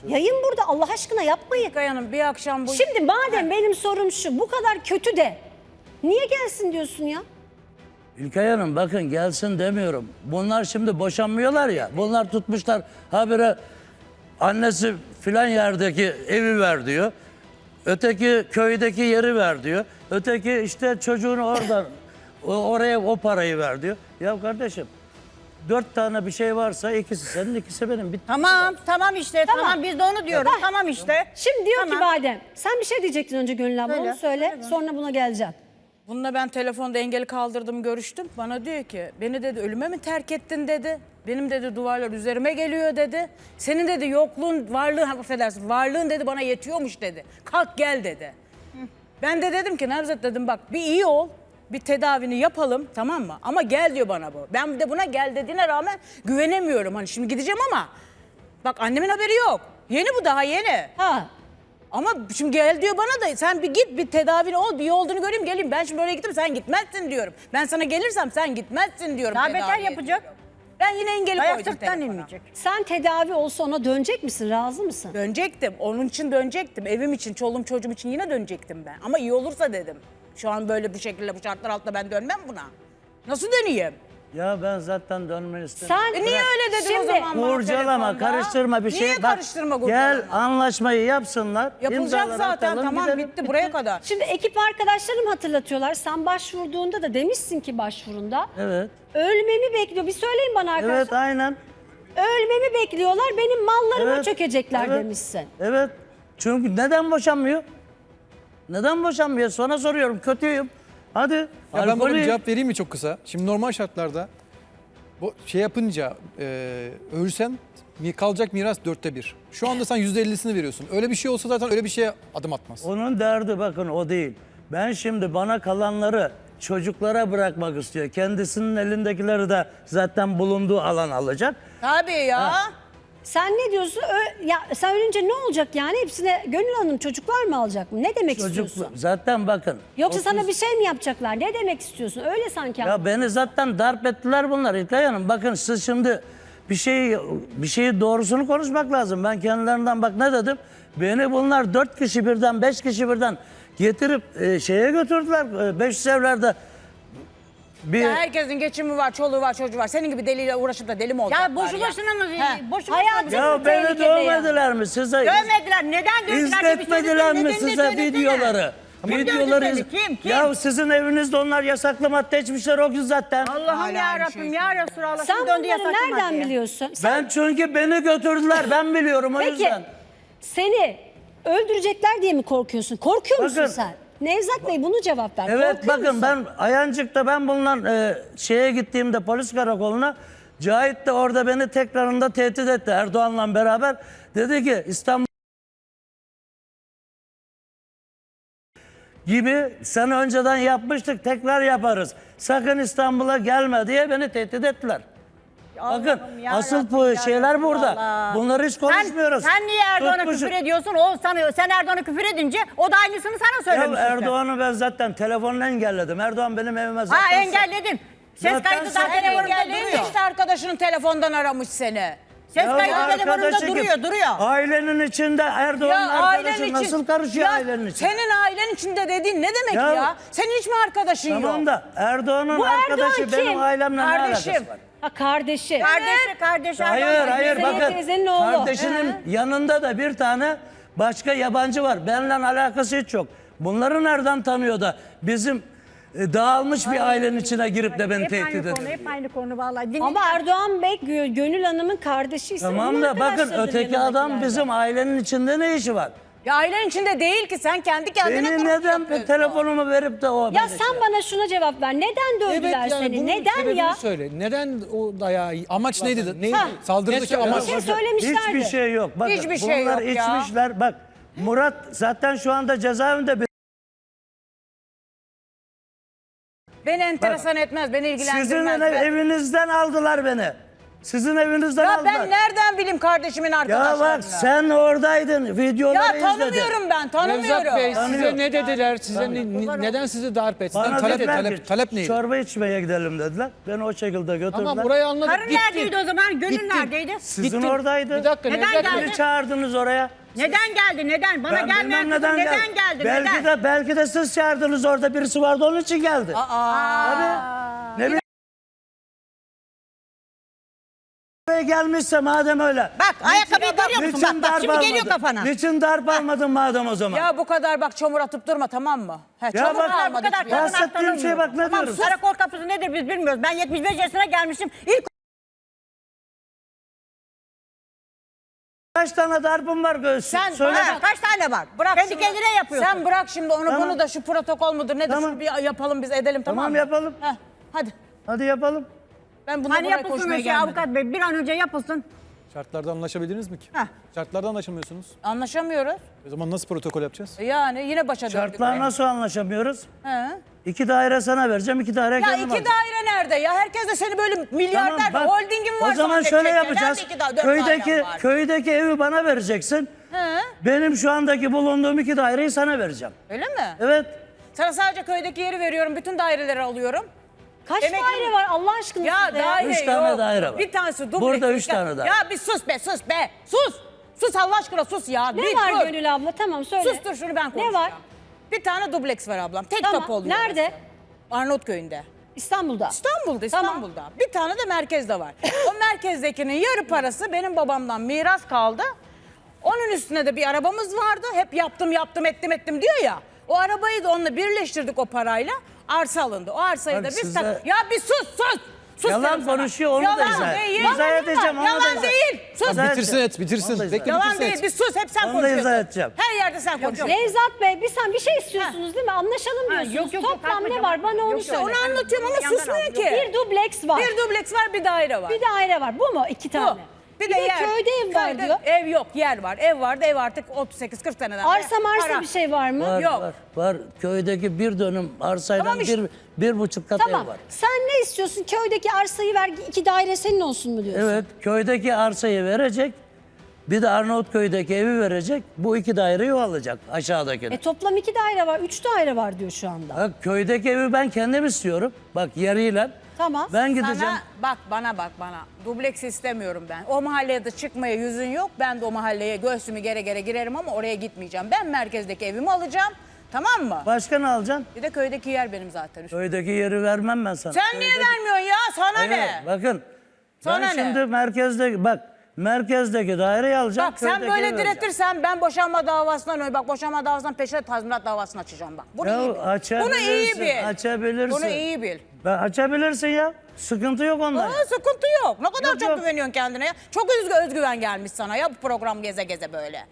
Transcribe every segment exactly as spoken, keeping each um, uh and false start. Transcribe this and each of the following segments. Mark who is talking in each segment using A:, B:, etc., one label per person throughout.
A: Yayın burada, Allah aşkına yapmayın.
B: İlkay Hanım bir akşam bu...
A: Şimdi madem benim sorum şu, bu kadar kötü de niye gelsin diyorsun ya?
C: İlkay Hanım bakın gelsin demiyorum. Bunlar şimdi boşanmıyorlar ya. Bunlar tutmuşlar habire annesi filan yerdeki evi ver diyor. Öteki köydeki yeri ver diyor. Öteki işte çocuğunu oradan o- oraya o parayı ver diyor. Ya kardeşim dört tane bir şey varsa ikisi senin ikisi benim. Bitti.
D: Tamam, tamam işte. Tamam,
A: Tamam.
D: biz de onu diyoruz.
A: Heh.
D: Tamam işte.
A: Şimdi diyor
D: Tamam.
A: ki Badem, sen bir şey diyecektin önce Gönül abla,
D: Söyle,
A: onu söyle,
D: söyle.
A: sonra buna geleceğim.
B: Bununla ben telefonda engeli kaldırdım, görüştüm. Bana diyor ki beni dedi ölüme mi terk ettin dedi. Benim dedi duvarlar üzerime geliyor dedi. Senin dedi yokluğun, varlığın, affedersin, varlığın dedi bana yetiyormuş dedi. Kalk gel dedi. Ben de dedim ki Nevzat dedim bak bir iyi ol. Bir tedavini yapalım tamam mı? Ama gel diyor bana bu. Ben de buna gel dediğine rağmen güvenemiyorum. Hani şimdi gideceğim ama bak annemin haberi yok. Yeni bu daha yeni.
A: Ha,
B: Ama şimdi gel diyor bana da sen bir git bir tedavini ol bir iyi olduğunu göreyim geleyim. Ben şimdi oraya gittim sen gitmezsin diyorum. Ben sana gelirsem sen gitmezsin diyorum.
D: Daha beter
B: tedaviye
D: yapacak.
B: diyorum. Ben yine engeli
D: Dayak
B: koydum
D: sırttan
B: telefona.
D: inmeyecek.
A: sen tedavi olsa ona dönecek misin, razı mısın?
B: Dönecektim. Onun için dönecektim. Evim için, çoluğum çocuğum için yine dönecektim ben. Ama iyi olursa dedim. Şu an böyle bu şekilde bu şartlar altında ben dönmem buna. Nasıl döneyim?
C: Ya ben zaten dönmeni istemiyorum.
A: Sen
B: E niye öyle dedin
A: Şimdi,
B: o zaman bana
C: Kurcalama,
B: telefonda?
C: karıştırma bir şey.
B: Niye
C: Bak,
B: karıştırma
C: gel
B: kurcalama?
C: anlaşmayı yapsınlar.
B: Yapılacak
C: imzaları
B: zaten
C: atalım,
B: tamam
C: gidelim.
B: bitti buraya kadar.
A: Şimdi ekip arkadaşlarım hatırlatıyorlar. Sen başvurduğunda da demişsin ki başvurunda.
C: Evet.
A: Ölmemi bekliyor. Bir söyleyin bana arkadaşlar.
C: Evet aynen.
A: Ölmemi bekliyorlar. Benim mallarıma
C: Evet,
A: çökecekler
C: evet,
A: demişsin.
C: Evet. Çünkü neden boşanmıyor? Neden boşanmıyor? Sonra soruyorum. Kötüyüm. Hadi.
E: Ya ben buna bir
C: alkolüyüm.
E: cevap vereyim mi çok kısa? Şimdi normal şartlarda bu şey yapınca e, ölsen mi- kalacak miras dörtte bir. Şu anda sen yüzde ellisini veriyorsun. Öyle bir şey olsa zaten öyle bir şeye adım atmaz.
C: Onun derdi bakın o değil. Ben şimdi bana kalanları çocuklara bırakmak istiyor. Kendisinin elindekileri de zaten bulunduğu alan alacak.
B: Tabii ya.
A: Sen ne diyorsun? Ö- ya sen ölünce ne olacak yani? Hepsine Gönül Hanım çocuklar mı alacak mı? Ne demek
C: Çocuk
A: istiyorsun?
C: zaten bakın.
A: Yoksa
C: otuz
A: sana bir şey mi yapacaklar? Ne demek istiyorsun? Öyle sanki.
C: Ya beni zaten darp ettiler bunlar İlkay Hanım. Bakın siz şimdi bir şeyi bir şeyi doğrusunu konuşmak lazım. Ben kendilerinden bak ne dedim? Beni bunlar dört kişi birden, beş kişi birden getirip e, şeye götürdüler. E, beş yüz evlerde bir
B: Ya herkesin geçimi var, çoluğu var, çocuğu var. Senin gibi deliyle uğraşıp da deli mi olacaklar
D: Ya boşu boşuna mı?
B: He.
D: Boşu boşuna
A: Hayatım-
D: mı?
C: ya beni
A: tehlikede ya.
C: dövmediler mi size?
D: Dövmediler. Neden dövdüler? diye bir
C: İzletmediler
D: söylesin,
C: mi
D: nedenini
C: size
D: söylesene.
C: videoları?
D: Kim
C: Videoları
D: dövdü
C: iz-
D: seni? Kim? Kim?
C: Ya sizin evinizde onlar yasaklı madde içmişler o gün zaten.
D: Allah'ım
B: Hala
D: ya
B: aynı
D: Rabbim
B: şey
D: ya Resulallah.
A: Sen
D: Şimdi döndü
A: bunları
D: yasak
A: nereden
D: maddeye.
A: biliyorsun? Sen,
C: Ben çünkü beni götürdüler ben biliyorum o
A: peki
C: yüzden.
A: seni öldürecekler diye mi korkuyorsun? Korkuyor musun
C: Bakın.
A: sen? Nevzat Bey bunu cevap ver.
C: Evet
A: Korkuyor
C: bakın
A: musun?
C: ben Ayancık'ta ben bununla e, şeye gittiğimde polis karakoluna Cahit de orada beni tekrarında tehdit etti Erdoğan'la beraber. Dedi ki İstanbul gibi sen önceden yapmıştık tekrar yaparız. Sakın İstanbul'a gelme diye beni tehdit ettiler. Bakın
D: Allah'ım ya
C: asıl
D: Rabbim
C: bu
D: ya
C: şeyler burada.
D: Resulallah.
C: Bunları hiç konuşmuyoruz.
D: Sen, sen niye Erdoğan'a
C: Tutmuşum.
D: küfür ediyorsun? O sana, sen Erdoğan'a küfür edince o da aynısını sana
C: Ya
D: söylemiş. işte.
C: Erdoğan'ı ben zaten telefonla engelledim. Erdoğan benim evime zaten...
D: Ha engelledin. Ses
C: Zaten
D: kaydı
C: sen-
D: zaten telefonunda
B: Engelleyin
D: duruyor.
B: işte arkadaşının telefondan aramış seni.
D: Ses
C: Ya
D: kaydı telefonunda
C: arkadaşı
D: duruyor,
C: kim?
D: duruyor.
C: Ailenin içinde Erdoğan'ın arkadaşı nasıl karışıyor
B: Ya
C: ailenin içinde?
B: Senin ailen içinde dediğin ne demek ya?
C: Ya-
B: Senin hiç mi arkadaşın yok?
C: Tamam da Erdoğan'ın
A: Bu Erdoğan
C: arkadaşı
A: kim?
C: benim ailemle ne
B: Kardeşim.
C: alakası var?
A: Ha kardeşi.
D: Kardeşi, kardeşi.
C: Hayır
D: Erdoğan.
C: hayır
A: Teyzenin,
C: bakın
A: teyzenin oğlu.
C: kardeşinin yanında da bir tane başka yabancı var. Benimle alakası hiç yok. Bunları nereden tanıyor da bizim e, dağılmış bir ailenin içine girip de beni
D: Hep
C: tehdit
D: aynı
C: ediyor.
D: konu, hep aynı konu vallahi. Dinle.
A: Ama Erdoğan Bey Gö- Gönül Hanım'ın kardeşi ise
C: Tamam
A: onun
C: da bakın
A: arkadaşlarıdır
C: öteki adam
A: yanındakiler de.
C: bizim ailenin içinde ne işi var?
B: Ya ailen içinde değil ki sen kendi kendine
C: Beni
B: gurur
C: neden
B: yapıyorsun.
C: telefonumu verip de o...
A: Ya
C: beni
A: sen
C: şey-
A: bana şuna cevap ver. Neden dövdüler seni?
F: bunun
A: Neden
F: sebebini
A: ya?
F: söyle. Neden o dayağı...
E: Amaç neydi?
F: Neydi?
A: Ha.
E: Saldırıdaki
F: Ne
E: amaç.
A: Bir şey söylemişlerdi.
C: Hiçbir şey yok. Bakın,
B: Hiçbir şey
C: bunlar
B: yok ya.
C: içmişler. Bak Murat zaten şu anda cezaevinde. Bir-
B: Beni enteresan etmez, beni ilgilendirmez.
C: Sizin
B: Ben-
C: ev- evinizden aldılar beni. Sizin evinizden
B: Ya
C: aldılar.
B: ben nereden bileyim kardeşimin
C: Ya
B: arkadaşlarını?
C: bak sen oradaydın. Videoları
B: Ya
C: izledin.
B: tanımıyorum ben, tanımıyorum.
F: Nevzat Bey
C: Tanıyor.
F: size ne dediler? Size ne- ne- neden sizi darp ettiler?
C: Bana
E: talep-
C: dediler
E: talep-
C: ki,
E: talep neydi?
C: çorba içmeye gidelim dediler. Beni o şekilde götürdüler.
F: Ama burayı anladık.
D: Karın
F: Gittin.
D: neredeydi o zaman? Gönül
F: Gittin.
D: neredeydi?
C: Sizin
F: Gittin.
C: oradaydı.
F: Bir dakika
D: Neden
F: Nevzat
D: geldin?
F: Bey.
C: Beni çağırdınız oraya.
D: Neden geldi? Neden? Bana
C: Ben
D: gelmeyen
C: bilmem
D: kızım neden,
C: geldi.
D: geldi?
C: Belki
D: Neden?
C: de belki de siz çağırdınız, orada birisi vardı onun için geldi. Tabii. Ne bileyim. Buraya gelmişse madem öyle.
D: Bak ayakkabıyı görüyor musun?
C: Niçin
D: Bak bak
C: darp
D: şimdi geliyor
C: almadın?
D: kafana.
C: Niçin darp almadın madem o zaman?
B: Ya bu kadar bak çamur atıp durma, tamam mı? He,
C: Ya
B: çamur
C: bak,
B: almadık
D: bu kadar
B: bir
D: kadın
B: yere.
C: bahsettiğim şey bak ne
D: Tamam
C: diyorum.
D: karakol kapısı nedir biz bilmiyoruz. Ben yetmiş beş yaşına gelmişim. İlk
C: Kaç tane darpım var göğsü?
B: Sen
C: Söyle.
B: bana-
D: Ha, kaç tane var?
B: Bırak
D: Kendi
B: şimdi-
D: kendine yapıyorsun.
B: Sen bırak şimdi onu
C: Tamam.
B: bunu da şu protokol mudur nedir
C: Tamam.
B: şunu bir yapalım biz edelim, tamam,
C: Tamam,
B: mı?
C: yapalım.
B: Heh, hadi.
C: Hadi yapalım.
B: Ben bunu
D: Hani
B: buraya
D: yapılsın
B: koşmaya
D: o şey
B: gelmedim.
D: avukat bey bir an önce yapılsın.
E: Şartlarda anlaşabildiniz mi ki?
D: Heh.
E: Şartlarda anlaşamıyorsunuz.
B: Anlaşamıyoruz.
E: O zaman nasıl protokol yapacağız?
B: Yani yine başa döndük.
C: Şartlar nasıl anlaşamıyoruz?
B: He.
C: İki daire sana vereceğim, iki daire
B: Ya
C: kendim
B: iki
C: alacağım.
B: daire nerede ya? Herkes de seni böyle milyarder
C: Tamam, bak,
B: holdingin var.
C: o zaman
B: zannedecek
C: şöyle
B: ya.
C: yapacağız.
B: Nerede iki da- dört
C: Köydeki
B: dairem var?
C: köydeki evi bana vereceksin.
B: He.
C: Benim şu andaki bulunduğum iki daireyi sana vereceğim.
B: Öyle mi?
C: Evet.
B: Sana sadece köydeki yeri veriyorum. Bütün daireleri alıyorum.
A: Kaç
B: Demek ki-
A: daire var Allah aşkına
B: Ya
A: sizde?
B: daire
C: Üç
B: yok.
C: tane daire var.
B: Bir tanesi dubleks.
C: Burada üç
B: Ya-
C: tane daire.
B: Ya bir sus be sus be. Sus. Sus Allah aşkına sus ya.
A: Ne
B: bir
A: var
B: dur.
A: Gönül abla? Tamam söyle.
B: Sus dur şunu ben konuşacağım.
A: Ne var?
B: Bir tane dubleks var ablam. Tek
A: Tamam,
B: kapı oluyor.
A: nerede?
B: orası. Arnavutköy'ünde.
A: İstanbul'da.
B: İstanbul'da,
A: Tamam.
B: İstanbul'da. Bir tane de merkezde var. O merkezdekinin yarı parası benim babamdan miras kaldı. Onun üstüne de bir arabamız vardı. Hep yaptım, yaptım, ettim, ettim diyor ya. O arabayı da onunla birleştirdik o parayla. Arsa alındı. O arsayı
C: Bak
B: da biz...
C: size-
B: tak- Ya bir sus, sus! Sus
C: Yalan
B: dedim sana.
C: konuşuyor, onu da
B: Yalan
C: izah et.
B: değil.
C: İzah edeceğim, onu da
B: Yalan
C: izah-
B: değil. Sus.
C: İzah
E: Bitirsin
C: edeceğim.
E: et, bitirsin.
C: Onu da izah-
E: Bekle
B: Yalan
E: bitirsin
B: değil.
E: et.
B: Bir sus. Hep sen
C: Onu da
B: konuşuyorsun.
C: izah edeceğim.
B: Her yerde sen konuşuyorsun.
A: Nevzat Bey bir sen bir şey istiyorsunuz değil mi? Anlaşalım diyorsunuz.
D: yok, yok, yok,
A: Toplam ne
D: kalkmayacağım.
A: var bana onu
D: Yok, yok.
A: söyle.
B: Onu anlatıyorum ama
D: Yandan
B: susmuyor
D: al.
B: ki.
A: Bir dubleks var.
B: Bir dubleks var, bir daire var.
A: Bir daire var. Bu mu? İki
B: Bu.
A: tane. Bir, de,
B: yer.
A: köyde ev var
B: Köyde
A: diyor.
B: Ev yok, yer var. Ev vardı, ev artık otuz sekiz kırk seneden.
A: Arsa
B: beri
A: marsa
B: para.
A: bir şey var mı?
C: Var,
B: Yok.
C: var, var. Köydeki bir dönüm arsayla
B: Tamam işte.
C: bir, bir buçuk kat
A: Tamam.
C: ev var.
A: Sen ne istiyorsun? Köydeki arsayı ver, iki daire senin olsun mu diyorsun?
C: Evet, köydeki arsayı verecek. Bir de Arnavutköy'deki evi verecek. Bu iki daireyi o alacak aşağıdakini.
A: E toplam iki daire var, üç daire var diyor şu anda.
C: Bak köydeki evi ben kendim istiyorum. Bak yeriyle.
A: Tamam.
C: Ben gideceğim.
B: Sana bak bana bak bana. Dubleks istemiyorum ben. O mahalleye de çıkmaya yüzün yok. Ben de o mahalleye göğsümü gere gere girerim ama oraya gitmeyeceğim. Ben merkezdeki evimi alacağım. Tamam mı?
C: Başka ne alacaksın?
B: Bir de köydeki yer benim zaten.
C: Köydeki yeri vermem ben sana.
B: Sen niye
C: Köydeki-
B: vermiyorsun ya? Sana
C: Hayır,
B: ne?
C: bakın.
B: Sana
C: ben
B: ne?
C: şimdi merkezde bak merkezdeki daireyi alacağım.
B: Bak sen
C: köydeki
B: böyle
C: evi vereceğim.
B: diretirsen ben boşanma davasından öyle bak boşanma davasından peşine tazminat davasını açacağım bak. Bunu
C: Ya
B: iyi bil. Bunu
C: açabilirsin,
B: iyi bil.
C: açabilirsin.
B: Bunu iyi bil.
C: Ben açabilirsin ya. Sıkıntı yok ondan.
B: Aa, sıkıntı yok. Ne kadar
C: Yok,
B: çok
C: yok.
B: güveniyorsun kendine ya. Çok özgü, özgüven gelmiş sana ya bu program geze geze böyle.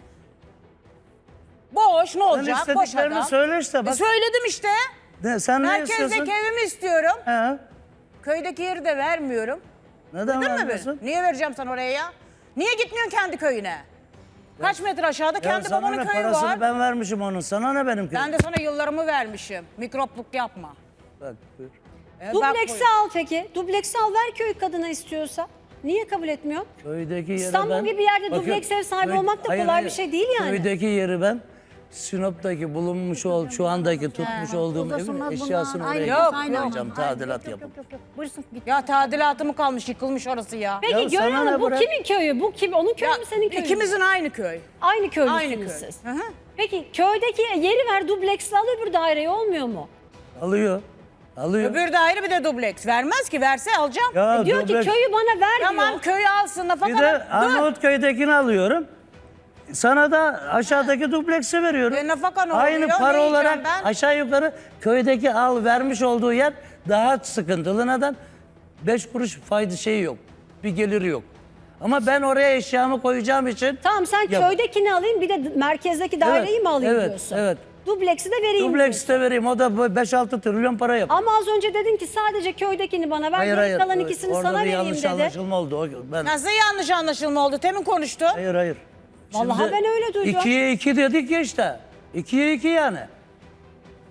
B: Boş ne olacak? Boş
C: istediklerini
B: adam.
C: söyle işte,
B: E,
C: bak.
B: söyledim işte.
C: Ne, sen ne istiyorsun?
B: Merkezdeki evimi istiyorum.
C: He.
B: Köydeki yeri de vermiyorum.
C: Neden
B: Değil mi
C: vermiyorsun?
B: beni? Niye vereceğim sana oraya ya? Niye gitmiyorsun kendi köyüne? Kaç metre aşağıda
C: Ya
B: kendi
C: sana
B: babanın
C: ne,
B: köyü
C: parasını
B: var.
C: ben vermişim onun. Sana ne benim köyüm?
B: Ben de sana yıllarımı vermişim. Mikropluk yapma.
C: Bak, buyur.
B: E, bak
A: Dubleksi
B: buyur.
A: al peki. Dubleksi al ver köy kadına istiyorsa. Niye kabul etmiyor?
C: Köydeki yeri
A: İstanbul
C: ben...
A: gibi yerde dubleks ev sahibi olmak da kolay bir şey değil yani.
C: Köydeki yeri ben Sinop'taki bulunmuş ol, şu andaki tutmuş olduğum
D: Uzasınlar
C: evin
D: bunlar.
C: eşyasını
D: Aynı
C: oraya
B: Yok,
D: aynı
C: yapacağım,
D: olmaz.
C: tadilat
D: Yok, yok,
C: yapıp.
D: yok, yok. Buyursun git.
B: Ya tadilatı mı kalmış yıkılmış orası ya.
A: Peki
C: Ya
A: Gönül
C: sana
A: Hanım
C: ne
A: bu
C: bırak?
A: kimin köyü? Bu kim? Onun köyü
B: Ya,
A: mü senin köyün mü?
B: ikimizin aynı köy.
A: Aynı köylüsünüz
B: Aynı köy.
A: siz.
B: Hı hı.
A: Peki köydeki yeri ver dubleksle al öbür daireyi olmuyor mu?
C: Alıyor. Alıyor.
B: Öbür daire bir de dubleks. Vermez ki verse alacağım.
C: Ya
A: E diyor ki
C: dubleks-
A: köyü bana ver
B: Tamam
A: diyor.
B: köyü alsın nafaka
C: Bir de
B: ver. Dur.
C: Arnavutköy'dekini alıyorum. Sana da aşağıdaki dupleksi veriyorum.
B: E, nafaka ne
C: Aynı
B: oluyor?
C: para
B: Ne yiyeceğim
C: olarak
B: ben?
C: aşağı yukarı köydeki al vermiş olduğu yer daha sıkıntılı. Neden? Beş kuruş fayda şeyi yok. Bir geliri yok. Ama ben oraya eşyamı koyacağım için...
A: Tamam sen
C: Yap.
A: köydekini alayım bir de merkezdeki daireyi mi alayım
C: evet,
A: diyorsun?
C: evet.
A: Dubleksi de vereyim
C: Dubleks
A: diyorsun.
C: de vereyim. O da beş altı trilyon para yapar.
A: Ama az önce dedin ki sadece köydekini bana ver,
C: Hayır
A: geri
C: hayır.
A: kalan ikisini
C: Orada
A: sana
C: bir
A: vereyim
C: yanlış
A: dedi.
C: anlaşılma oldu. O, ben...
B: Nasıl yanlış anlaşılma oldu? Temin konuştu.
C: Hayır hayır.
A: Vallahi ben öyle duydum.
C: ikiye iki dedik ya işte. ikiye iki yani.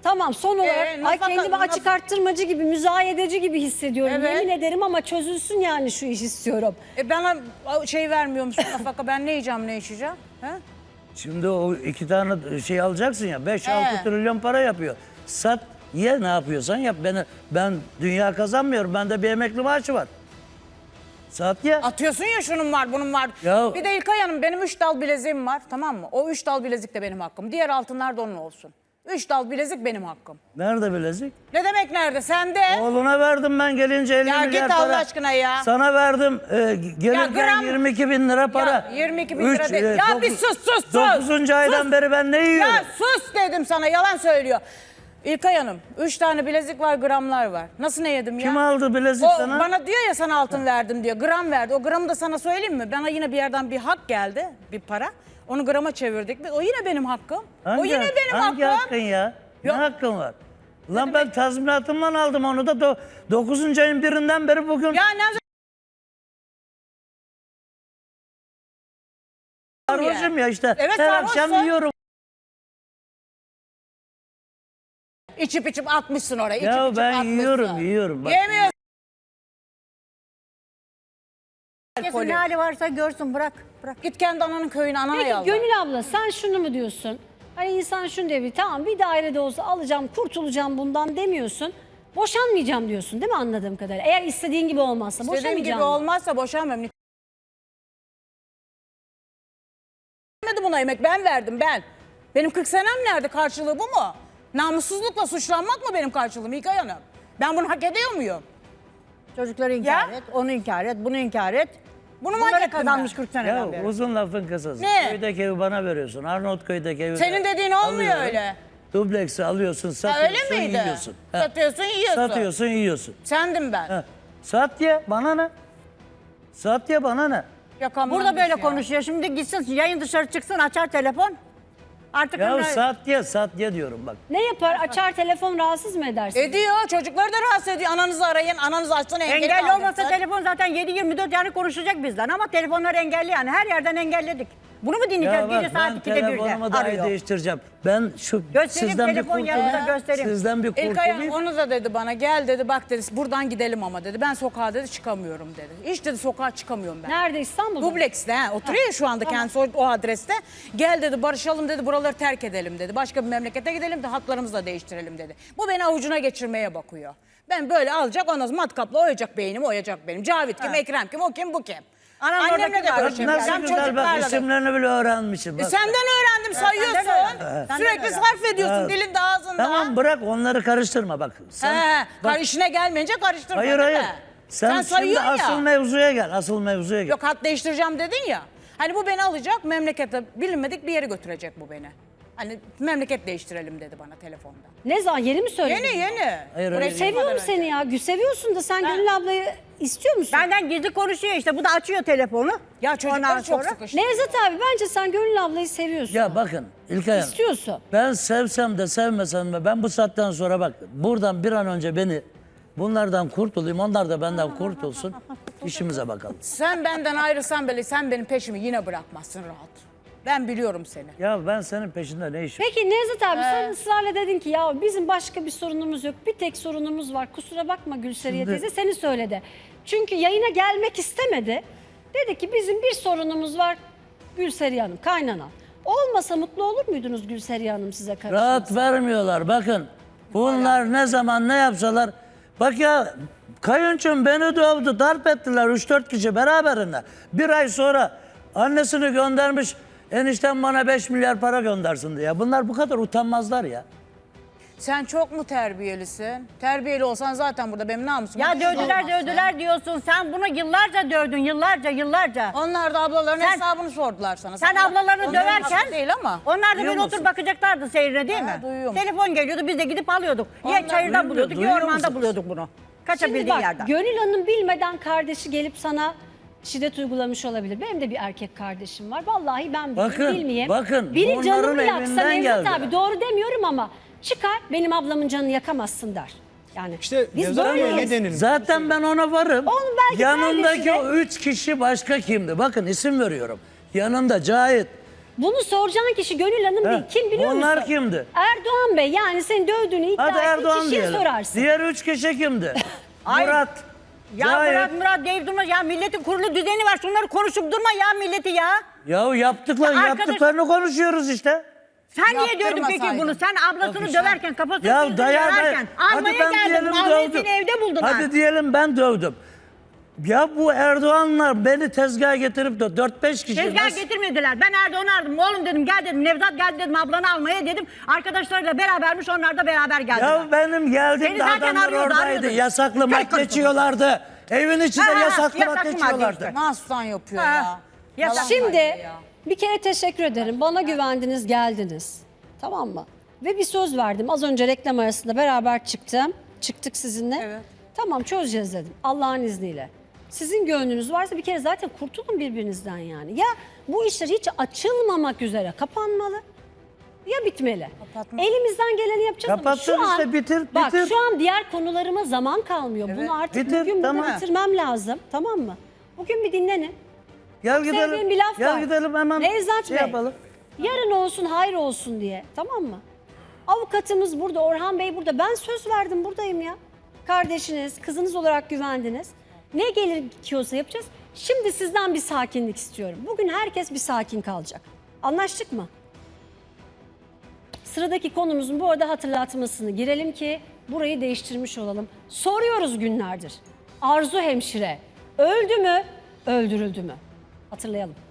A: Tamam son olarak
B: Ee,
A: ay
B: nafaka-
A: kendimi açık arttırmacı gibi, müzayedeci gibi hissediyorum.
B: Evet.
A: Yemin ederim ama çözülsün yani şu iş istiyorum.
B: E bana şey vermiyor musun nafaka? Ben ne yiyeceğim, ne içeceğim? He?
C: Şimdi o iki tane şey alacaksın ya beş altı
B: He.
C: trilyon para yapıyor. Sat ye ne yapıyorsan yap. Ben, ben dünya kazanmıyorum. Bende bir emekli maaşı var. Sat ye.
B: Atıyorsun ya şunun var, bunun var.
C: Ya-
B: Bir de İlkay Hanım benim üç dal bileziğim var, tamam mı? O üç dal bilezik de benim hakkım. Diğer altınlar da onun olsun. Üç dal bilezik benim hakkım.
C: Nerede bilezik?
B: Ne demek nerede? Sende.
C: Oğluna verdim ben gelince elli
B: Ya
C: milyar
B: git
C: para.
B: Allah aşkına ya.
C: Sana verdim e, gelirken
B: gram-
C: yirmi iki bin lira para.
B: Ya yirmi iki bin lira
C: Üç,
B: değil.
C: e,
B: Ya
C: dokuz-
B: bir sus, sus, sus.
C: dokuzuncu aydan
B: Sus.
C: beri ben ne yiyorum?
B: Ya sus dedim sana, yalan söylüyor. İlkay Hanım, üç tane bilezik var, gramlar var. Nasıl ne yedim ya?
C: Kim aldı bilezik
B: O
C: sana?
B: bana diyor ya sana altın verdim diyor. Gram verdi. O gramı da sana söyleyeyim mi? Bana yine bir yerden bir hak geldi, bir para. Onu grama çevirdik. O yine benim hakkım.
C: Hangi
B: o yine
C: hak-
B: benim
C: hangi
B: hakkım.
C: hakkın ya?
B: Yok.
C: Ne hakkın var? Lan ben tazminatımdan aldım onu da do- dokuzuncu ayın birinden beri bugün
B: Ya ne
C: sarhoşum ya işte.
B: Evet,
C: Her
B: sarhoşsun.
C: akşam yiyorum.
B: içip içip atmışsın oraya. içip
C: Ya
B: içip
C: ben
B: atmışsın.
C: yiyorum yiyorum. Bak.
B: Yemiyorsun.
D: Herkesin ne hali varsa görsün, bırak. Bırak.
B: Git kendi ananın köyüne, anana
A: Peki
B: yalvar.
A: Gönül abla sen şunu mu diyorsun? Hani insan şunu diyor, bir tamam bir dairede olsa alacağım, kurtulacağım bundan demiyorsun. Boşanmayacağım diyorsun değil mi anladığım kadarıyla? Eğer istediğin gibi olmazsa
B: İstediğim
A: boşanmayacağım.
B: gibi olmazsa boşanmam. Vermedi buna emek, ben verdim ben. Benim kırk senem nerede, karşılığı bu mu? Namussuzlukla suçlanmak mı benim karşılığım İlkay Hanım? Ben bunu hak ediyor muyum?
D: Çocukları inkar
B: Ya?
D: et, onu inkar et, bunu inkar et.
B: Bunu mu hak
D: Bunları
B: ettim
D: kazanmış
B: ben?
D: kırk seneden
C: Ya
D: beri.
C: uzun lafın kısası.
B: Ne?
C: Köydeki evi bana veriyorsun. Arnavutköy'deki evi
B: Senin
C: de
B: dediğin olmuyor
C: alıyorum.
B: öyle.
C: Dubleksi alıyorsun,
B: Ha,
C: satıyorsun,
B: öyle miydi?
C: yiyorsun. Ha.
B: Satıyorsun, yiyorsun.
C: Satıyorsun, yiyorsun.
B: Sendim ben.
C: Ha. Sat ye, bana ne? Sat ye, bana ne?
B: Yakamdan
D: Burada böyle
B: düş ya.
D: konuşuyor. Şimdi gitsin yayın dışarı çıksın, açar telefon. Artık
C: Ya
D: hani-
C: sat ye, sat ye diyorum bak.
A: Ne yapar? Açar telefon rahatsız mı edersin?
B: Ediyor, çocukları da rahatsız ediyor. Ananızı arayın, ananız açsın, engel
D: engelli olmasa telefon zaten yedi yirmi dört yani konuşacak bizden ama telefonlar engelli yani her yerden engelledik. Bunu mu dinleyeceğiz
C: Ya bak
D: gece saat
C: ben
D: ikide birde
C: telefonumu dahi
D: arıyor.
C: değiştireceğim. Ben şu
D: Göstereyim,
C: sizden bir
D: telefon
C: kurtulayım.
D: yanında göstereyim.
C: Sizden bir
B: İlkay Hanım
C: kurtulayım.
B: onu da dedi bana, gel dedi, bak dedi, buradan gidelim ama dedi. Ben sokağa dedi çıkamıyorum dedi. Hiç dedi sokağa çıkamıyorum ben.
A: Nerede, İstanbul'da?
B: Dublex'te ha, oturuyor ya şu anda kendisi o, o adreste. Gel dedi, barışalım dedi, buraları terk edelim dedi. Başka bir memlekete gidelim de hatlarımızı da değiştirelim dedi. Bu beni avucuna geçirmeye bakıyor. Ben böyle alacak, ondan sonra matkapla oyacak beynimi, oyacak benim. Cavit kim, Ekrem kim, o kim, bu kim?
D: Anam
B: Annemle
D: oradaki
B: de
D: var.
B: görüşemiyorum.
C: Nasıl
B: Ben
C: güzel bak
B: çocuklarla da-
C: isimlerini bile öğrenmişim.
B: E
C: Bak.
B: senden öğrendim, sayıyorsun.
D: öğrendim. Senden
B: Sürekli
D: öğrendim.
B: sarf ediyorsun
C: Ha.
B: dilinde, ağzında.
C: Tamam bırak onları karıştırma bak. Sen,
B: He,
C: bak,
B: kar- işine gelmeyince karıştırma
C: hayır
B: değil
C: hayır.
B: mi?
C: Sen,
B: Sen
C: şimdi
B: sayıyorsun ya.
C: asıl mevzuya gel. Asıl mevzuya gel.
B: Yok, hat değiştireceğim dedin ya. Hani bu beni alacak, memlekete bilinmedik bir yere götürecek bu beni. Hani memleket değiştirelim dedi bana telefonda.
A: Ne zaman, yeni mi söyledin?
B: Yeni yeni.
C: Hayır,
B: Buraya
C: hayır.
B: çıkmadan
A: Seviyorum
B: önce.
A: seni ya. Gü- Seviyorsun da sen Gönül ablayı istiyor musun?
D: Benden gizli konuşuyor işte bu da açıyor telefonu.
B: Ya çocuklar
D: Ondan
B: çok
D: sonra-
B: sıkıştı.
A: Nevzat abi bence sen Gönül ablayı seviyorsun.
C: Ya bakın İlkay Hanım.
A: İstiyorsun.
C: Ben sevsem de sevmesem de ben bu saatten sonra bak buradan bir an önce beni bunlardan kurtulayım. Onlar da benden kurtulsun. İşimize bakalım.
B: Sen benden ayrılsan bile sen benim peşimi yine bırakmazsın rahat. Ben biliyorum seni.
C: Ya ben senin peşinde ne işim?
A: Peki Nevzat abi sen ısrarla dedin ki ya bizim başka bir sorunumuz yok. Bir tek sorunumuz var. Kusura bakma Gülseriye
C: Şimdi-
A: teyze seni söyledi. Çünkü yayına gelmek istemedi. Dedi ki bizim bir sorunumuz var Gülseriye Hanım, kaynana. Olmasa mutlu olur muydunuz Gülseriye Hanım size karşı?
C: Rahat vermiyorlar bakın. Bunlar ne zaman ne yapsalar. Bak ya kayınçum beni dövdü, darp ettiler üç dört kişi beraberinde. Bir ay sonra annesini göndermiş. Enişten bana beş milyar para göndersin diye. Bunlar bu kadar utanmazlar ya.
B: Sen çok mu terbiyelisin? Terbiyeli olsan zaten burada benim namusum.
D: Ya dövdüler dövdüler diyorsun. Sen bunu yıllarca dövdün yıllarca yıllarca.
B: Onlar da ablaların
D: Sen-
B: hesabını sordular sana.
D: Sen
B: Sana-
D: ablalarını
B: Onların
D: döverken
B: hakkı değil ama.
D: onlar da
C: Duyuyor
D: böyle
C: musun?
D: oturup bakacaklardı seyrine değil
B: Ha,
D: mi?
B: duyuyorum.
D: Telefon geliyordu biz de gidip alıyorduk. Ya
B: Onlar
D: çayırdan
C: duyuyor-
D: buluyorduk ya
C: duyuyor
D: ormanda
C: musunuz?
D: buluyorduk bunu.
A: Şimdi
D: Kaçabildiğin
A: bak
D: yerden.
A: Gönül Hanım bilmeden kardeşi gelip sana şiddet uygulamış olabilir. Benim de bir erkek kardeşim var. Vallahi ben bileyim,
C: Bakın,
A: bilmeyeyim.
C: bakın,
A: Biri
C: bunların
A: canımı yaksa
C: evinden
A: Nevzat
C: geldiler.
A: abi doğru demiyorum ama çıkar benim ablamın canını yakamazsın der. Yani
F: İşte
A: biz
F: Nevzat Hanım
A: böyleyiz.
F: ne denilmiş?
C: Zaten ben ona varım.
A: Onun belki
C: Yanındaki
A: kardeşi de-
C: o üç kişi başka kimdi? Bakın isim veriyorum. Yanında Cahit,
A: Bunu soracağın kişi Gönül Hanım değil.
C: He,
A: Kim biliyor
C: bunlar
A: musun?
C: kimdi?
A: Erdoğan Bey, yani seni dövdüğünü iddia
C: Hadi
A: ettiğin
C: Erdoğan
A: kişiye
C: diyelim.
A: sorarsın.
C: Diğer üç kişi kimdi?
D: Ay,
C: Murat.
D: Ya
C: Cahit.
D: Murat Murat deyip durma ya, milletin kurulu düzeni var, şunları konuşup durma ya milleti ya.
C: Ya yaptıklar,
D: Ya arkadaş-
C: yaptıklarını konuşuyoruz işte.
D: Sen niye diyordun peki
B: Yaptırmasaydın.
D: bunu? Sen ablasını döverken, kafasını
C: Ya
D: yüzünü
C: daya daya.
D: döverken almaya geldin, almayı seni evde buldular.
C: Hadi diyelim ben dövdüm. Ya bu Erdoğanlar beni tezgaha getirip de dört beş kişi...
D: Tezgah
C: nasıl-
D: getirmediler. Ben Erdoğan'ı aradım. Oğlum dedim, gel dedim. Nevzat geldi dedim, ablanı almaya dedim. Arkadaşlarıyla berabermiş, onlar da beraber geldiler.
C: Ya benim
D: Seni
C: geldiğimde
D: zaten
C: adamlar
D: arıyordu,
C: oradaydı.
D: arıyordu.
C: Yasaklı
D: Tek
C: madde
D: konuşma.
C: içiyorlardı. Evin içinde
D: Ha, ha,
C: yasaklı
D: yasaklı
C: madde
D: madde
C: içiyorlardı.
D: işte.
B: Naslan yapıyor
D: Ha.
B: ya.
D: Ya
B: Yalan
A: Şimdi
B: söylüyor ya.
A: bir kere teşekkür ederim. Bana güvendiniz, geldiniz. Tamam mı? Ve bir söz verdim. Az önce reklam arasında beraber çıktım. Çıktık sizinle.
B: Evet.
A: Tamam, çözeceğiz dedim. Allah'ın izniyle. Sizin gönlünüz varsa bir kere zaten kurtulun birbirinizden yani. Ya bu işler hiç açılmamak üzere kapanmalı ya bitmeli.
B: Kapatma.
A: Elimizden geleni yapacağız ama
C: Kapattın
A: şu an,
C: işte, bitir,
A: bak
C: bitir.
A: şu an diğer konularıma zaman kalmıyor. Bunu artık
C: bitir,
A: bugün
C: tamam.
A: burada bitirmem lazım. Tamam mı? Bugün bir dinlenin.
C: Gel
A: Sevdiğim
C: gidelim.
A: bir laf
C: Gel
A: var.
C: gidelim hemen
A: Nevzat
C: şey
A: Bey,
C: yapalım.
A: yarın olsun hayır olsun diye, tamam mı? Avukatımız burada, Orhan Bey burada. Ben söz verdim, buradayım ya. Kardeşiniz, kızınız olarak güvendiniz. Ne gerekiyorsa yapacağız. Şimdi sizden bir sakinlik istiyorum. Bugün herkes bir sakin kalacak. Anlaştık mı? Sıradaki konumuzun bu arada hatırlatmasını girelim ki burayı değiştirmiş olalım. Soruyoruz günlerdir. Arzu hemşire öldü mü, öldürüldü mü? Hatırlayalım.